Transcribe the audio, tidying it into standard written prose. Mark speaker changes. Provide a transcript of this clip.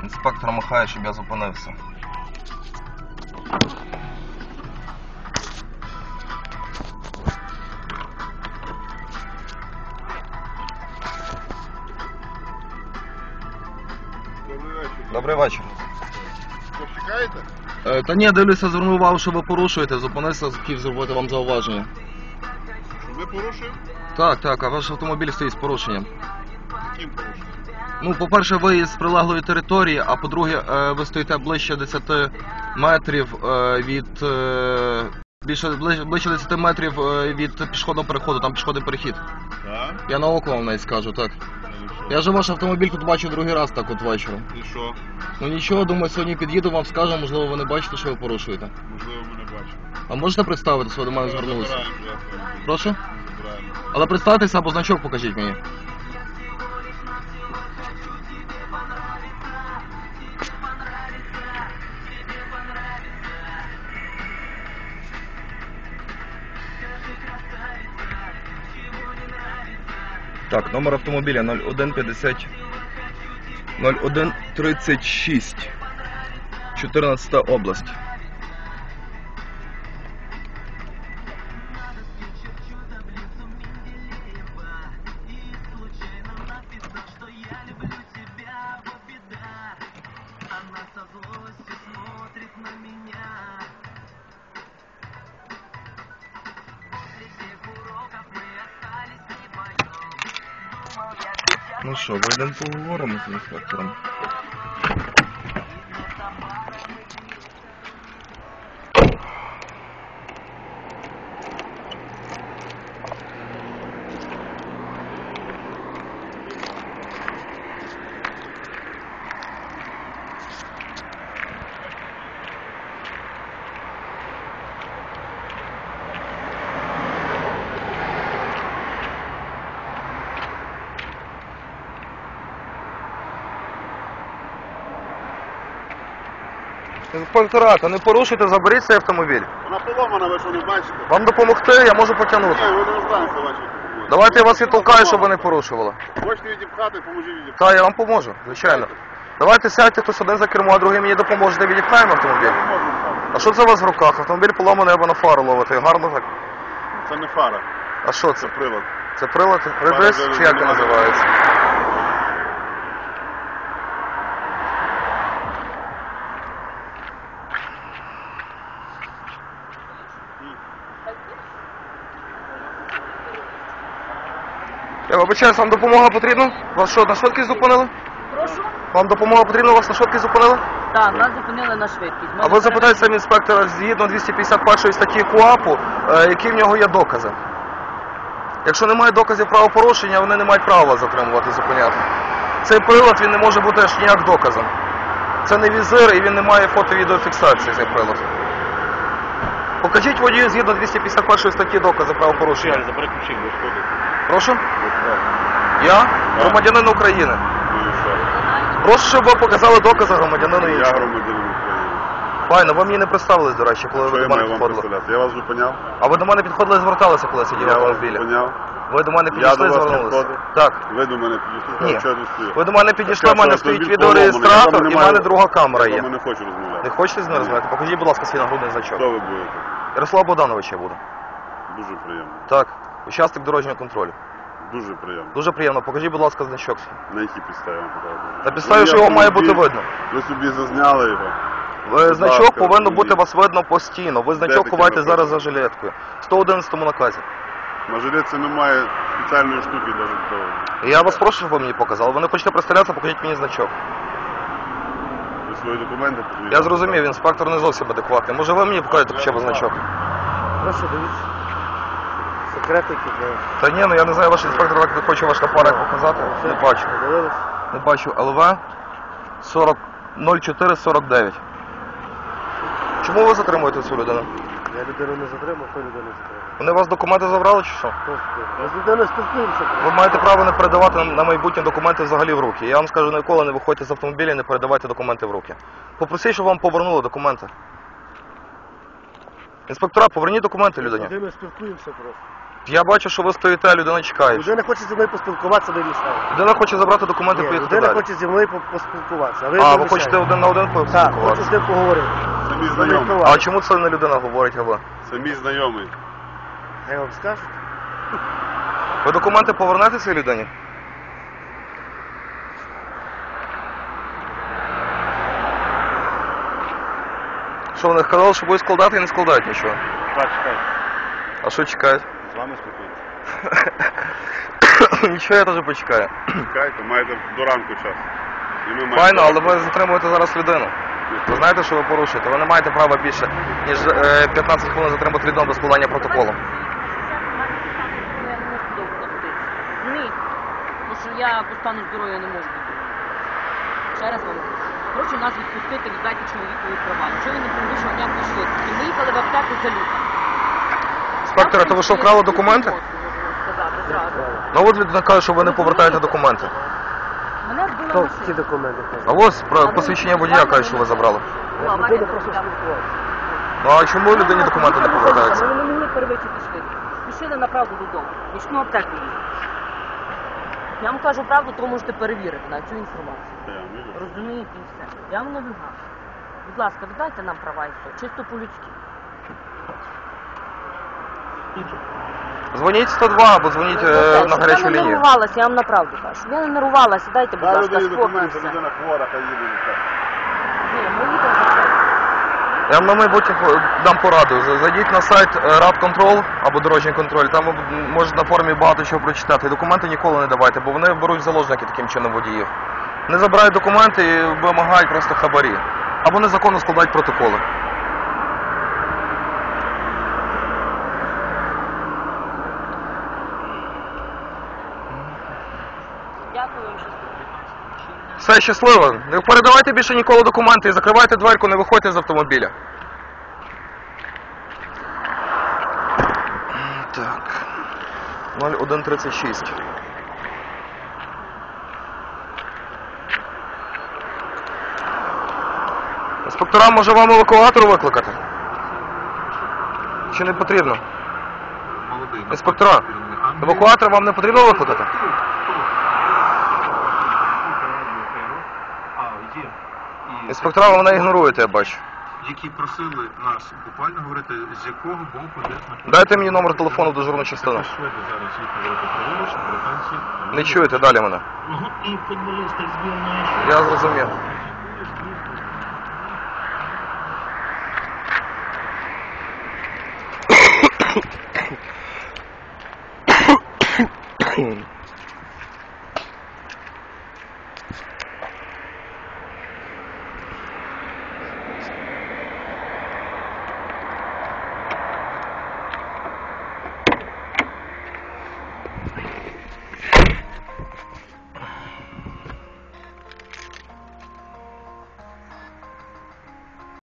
Speaker 1: Інспектор махає, щоб я зупинився. Добрий вечір.
Speaker 2: Ви чекаєте?
Speaker 1: Та ні, дивлюся, звернув увагу, що ви порушуєте, зупинився, хотів зробити вам зауваження.
Speaker 2: Ви порушуєте?
Speaker 1: Так, а ваш автомобіль стоїть з порушенням.
Speaker 2: Яким порушенням?
Speaker 1: Ну, по-перше, ви з прилеглої території, а по-друге, ви стоїте ближче 10 метрів від... ближче 10 метрів від пішохідного переходу, там пішохідний перехід.
Speaker 2: Так.
Speaker 1: Я на око вам навіть скажу, так. Я же ваш автомобіль тут бачу другий раз так от вечором.
Speaker 2: І що?
Speaker 1: Ну нічого, думаю, сьогодні під'їду, вам скажу, можливо, ви не бачите, що ви порушуєте.
Speaker 2: Можливо, ми не бачимо.
Speaker 1: А можете представити, що ви до мене звернулися?
Speaker 2: Забираємо вже автомобіль.
Speaker 1: Прошу?
Speaker 2: Забираємо.
Speaker 1: Але представтеся або значок покажіть мені. Так, номер автомобіля 0150 0136 14 область. Ну що, вийдемо поговоримо з інспектором. Інспекторат, не порушуйте, заберіть цей автомобіль.
Speaker 2: Вона поломана, ви що не бачите?
Speaker 1: Вам допомогти, я можу потягнути.
Speaker 2: Ні, ви не розбираєте ваші автомобілі.
Speaker 1: Давайте я вас відтолкаю, щоб ви не порушували.
Speaker 2: Хочете відіпхати, поможіть відіпхати.
Speaker 1: Так, я вам поможу, звичайно. Давайте сядьте хтось один за кермо, а другий мені допоможете, відіпхаємо автомобіль.
Speaker 2: Не можемо так.
Speaker 1: А що це у вас в руках? Автомобіль поламаний або на фару ловити. Гарно так.
Speaker 2: Це не фара,
Speaker 1: А що це?
Speaker 2: це прилад.
Speaker 1: Це прилад? Редис чи як він називається? Я вибачаюсь, вам допомога потрібна? Вас що, на швидкість зупинили?
Speaker 3: Прошу?
Speaker 1: Вам допомога потрібна, вас на швидкість зупинили?
Speaker 3: Так, нас зупинили на швидкість.
Speaker 1: А ви запитайте самі інспектора, згідно 251 статті КУАПу, які в нього є докази. Якщо немає доказів правопорушення, вони не мають права вас затримувати, зупиняти. Цей прилад, він не може бути аж ніяк доказом. Це не візир і він не має фото-відеофіксації, цей прилад. Покажіть водію згідно 251 статті докази правопорушення.
Speaker 2: Забери ключі, ви що?
Speaker 1: Прошу? Я? Громадянин України. Прошу, щоб ви показали докази громадянину
Speaker 2: Я
Speaker 1: іншого.
Speaker 2: громадянин України.
Speaker 1: Файно, ви мені не представились, до речі, коли
Speaker 2: Що
Speaker 1: ви
Speaker 2: я
Speaker 1: до мене
Speaker 2: маю вам
Speaker 1: підходили.
Speaker 2: представляти? Я вас зупиняв?
Speaker 1: А ви до мене підходили і зверталися, коли я сидів в
Speaker 2: Я вас
Speaker 1: автомобілі?
Speaker 2: зупиняв?
Speaker 1: Ви до мене
Speaker 2: Я
Speaker 1: підійшли
Speaker 2: до
Speaker 1: і
Speaker 2: вас
Speaker 1: звернулися?
Speaker 2: підходив?
Speaker 1: Так.
Speaker 2: Ви до мене підійшли,
Speaker 1: Ні.
Speaker 2: що я тут стою?
Speaker 1: Ви до мене підійшли, в
Speaker 2: Так,
Speaker 1: мене
Speaker 2: що
Speaker 1: стоїть
Speaker 2: автомобіль
Speaker 1: відеореєстратор
Speaker 2: поломаний,
Speaker 1: і в
Speaker 2: я
Speaker 1: мене
Speaker 2: вам
Speaker 1: друга камера
Speaker 2: Я
Speaker 1: є.
Speaker 2: вам не хочу розмовляти.
Speaker 1: Не хочете з мною розмовляти? Покажіть, будь ласка, свій нагрудний значок.
Speaker 2: Хто ви будете?
Speaker 1: Ярослав Богданович я буду.
Speaker 2: Дуже приємно.
Speaker 1: Так. Учасник дорожнього контролю.
Speaker 2: Дуже приємно.
Speaker 1: Дуже приємно. Покажіть, будь ласка, значок свій.
Speaker 2: На якій підставі вам показувати?
Speaker 1: На підставі, що його має бути видно.
Speaker 2: Ви собі зазняли його.
Speaker 1: Значок
Speaker 2: ласка,
Speaker 1: повинно
Speaker 2: розумію.
Speaker 1: бути вас видно постійно. Ви значок
Speaker 2: таке
Speaker 1: ховайте
Speaker 2: написано?
Speaker 1: зараз за жилеткою. В 111 наказі.
Speaker 2: На жилетці немає спеціальної штуки навіть того.
Speaker 1: Я вас прошу, щоб ви мені показали. Ви не хочете представлятися, покажіть мені значок.
Speaker 2: Ви свої документи покажіть.
Speaker 1: Я зрозумів, інспектор не зовсім адекватний. Може ви мені покажете хоча б значок?
Speaker 4: Прошу, дивіться. Секретики для...
Speaker 1: Та ні, ну я не знаю, ваш інспектор так не хоче ваш напарник показати. Не бачу.
Speaker 4: Подивились?
Speaker 1: Не бачу. ЛВ 0449. Чому ви затримуєте цю людину?
Speaker 4: Я людину не затримав, хто людину затримав?
Speaker 1: Вони у вас документи забрали чи що?
Speaker 4: Ми з людиною спілкуємося.
Speaker 1: Ви маєте право не передавати на майбутнє документи взагалі в руки. Я вам скажу, ніколи не виходьте з автомобіля і не передавайте документи в руки. Попросіть, щоб вам повернули документи. Інспектора, поверніть документи
Speaker 4: З
Speaker 1: людині.
Speaker 4: людиною спілкуємося просто.
Speaker 1: Я бачу, що ви стоїте, а людина чекає.
Speaker 4: Людина хоче зі мною поспілкуватися, ви мішаєте.
Speaker 1: Людина хоче забрати документи і
Speaker 4: Ні,
Speaker 1: поїхати
Speaker 4: людина
Speaker 1: далі.
Speaker 4: хоче зі мною поспілкуватися, а ви
Speaker 1: А,
Speaker 4: мені
Speaker 1: ви хочете
Speaker 4: мішаєте.
Speaker 1: один на один
Speaker 4: Так, хочу
Speaker 1: поспілкуватися?
Speaker 4: з ним поговорити.
Speaker 2: Самі
Speaker 4: З
Speaker 2: знайомі.
Speaker 4: ним
Speaker 1: А чому це не людина говорить, а ви?
Speaker 2: Самі знайомі.
Speaker 4: Я вам скажу.
Speaker 1: Ви документи повернете цій людині? Що вони сказали, що будуть складати і не складають нічого?
Speaker 2: Так, чекайте.
Speaker 1: А що чекають?
Speaker 2: З вами спілкуюся.
Speaker 1: Нічого, я теж почекаю.
Speaker 2: Чекайте, маєте до ранку час. І ми маємо
Speaker 1: Файно,
Speaker 2: час.
Speaker 1: але ви затримуєте зараз людину. Ви знаєте, що ви порушуєте? Ви не маєте права більше, ніж 15 хвилин затримати людину до складання протоколу.
Speaker 3: Я не можу довго знаходитися. Розумієте? Тому що я по стану здоров'я не можу. Ще раз вам кажу. Прошу нас відпустити, віддайте чоловікові права. Якщо він не перевищив ніякої швидкості. Ми їхали в аптеку за ліком.
Speaker 1: Інспектора, то ви що, вкрали документи?
Speaker 3: Можу сказати зразу.
Speaker 1: Ну от людина каже, що ви не повертаєте документи.
Speaker 3: Мене збила
Speaker 4: Хто
Speaker 3: машина.
Speaker 4: ці документи?
Speaker 1: А ось посвідчення водія каже, що ви забрали.
Speaker 3: Була аварія,
Speaker 4: Людина просто
Speaker 3: дорога.
Speaker 4: спілкуватися.
Speaker 1: Ну а чому людині документи не повертаються?
Speaker 3: Вони не могли перевищити швидкість. Пішли направду додому. Нічну аптеку їздили. Я вам кажу правду, то можете перевірити на цю інформацію.
Speaker 2: Я вам вірю.
Speaker 3: Розумієте і все. Я вам не вигадую. Будь ласка, віддайте нам права і все. Чисто по-людськи.
Speaker 1: Дзвоніть 102 або дзвоніть на гарячу
Speaker 3: Я не
Speaker 1: лінію.
Speaker 3: нервувалася, я вам направду кажу. Я не нервувалася, дайте, будь
Speaker 2: Дай
Speaker 3: ласка,
Speaker 2: людині
Speaker 3: спокій і
Speaker 2: документи,
Speaker 3: все.
Speaker 2: людина хвора, хай їде. і все.
Speaker 3: Ні, ми їдемо за це.
Speaker 1: Я вам на майбутнє дам пораду. Зайдіть на сайт Рабконтрол або Дорожній контроль, там ви можете на форумі багато чого прочитати. І документи ніколи не давайте, бо вони беруть в заложники таким чином водіїв. Не забирають документи і вимагають просто хабарі. Або незаконно складають протоколи.
Speaker 3: Дякую вам, що
Speaker 1: Все, щасливо. Не передавайте більше ніколи документи і закривайте дверку, не виходьте з автомобіля. Так. 0136. Інспектора, може вам евакуатор викликати? Чи не потрібно? Інспектора, евакуатор вам не потрібно викликати? Інспектора, ви мене ігноруєте, я бачу.
Speaker 5: Які просили нас буквально говорити, з якого боку де знаходиться.
Speaker 1: Дайте мені номер телефону в дежурну частину.
Speaker 5: Шведи зараз їх говорити праворуч, британці.
Speaker 1: Не чуєте далі мене?
Speaker 5: І футболісти збірної
Speaker 1: Я зрозумів.